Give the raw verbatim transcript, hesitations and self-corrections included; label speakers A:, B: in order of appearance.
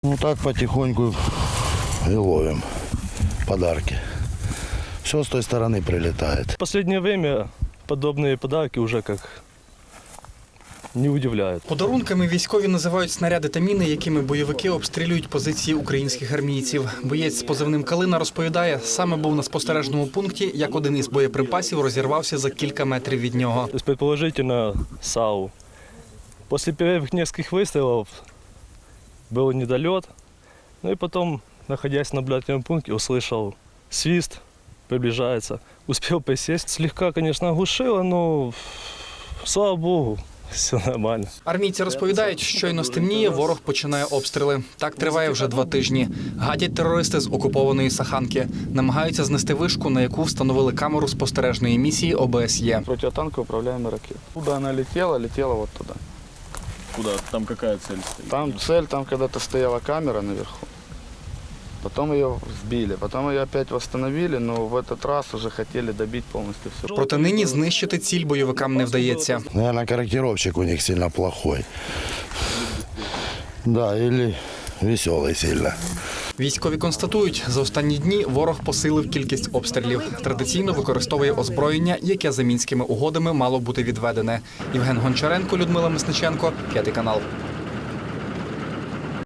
A: Ну так потихоньку и ловим подарки. Все с той стороны прилетает.
B: В последнее время подобные подарки уже как не удивляють.
C: Подарунками військові називають снаряди та міни, якими бойовики обстрілюють позиції українських армійців. Боєць з позивним «Калина» розповідає, саме був на спостережному пункті, як один із боєприпасів розірвався за кілька метрів від нього.
B: То есть, предположительно, САУ. После первых нескольких выстрелов был недолет. Ну и потом, находясь на наблюдательном пункте, услышал свист, приближается. Успел присесть. Слегка, конечно, оглушило, но слава богу, все нормально.
C: Армійці розповідають, щойно стемніє, ворог починає обстріли. Так триває вже два тижні. Гадять терористи з окупованої Саханки. Намагаються знести вишку, на яку встановили камеру спостережної місії О Б С Є.
D: Противотанковая управляемая ракета. Куда она летела, летела вот туда.
E: Куда? Там какая цель стоит?
D: Там цель, там когда-то стояла камера наверху. Потом ее сбили, потом ее опять восстановили, но в этот раз уже хотели добить полностью все.
C: Проте нині знищити ціль бойовикам не вдається.
A: Наверное, корректировщик у них сильно плохой. Да, или веселый сильно.
C: Військові констатують, за останні дні ворог посилив кількість обстрілів. Традиційно використовує озброєння, яке за мінськими угодами мало бути відведене. Євген Гончаренко, Людмила Мисниченко, п'ятий канал.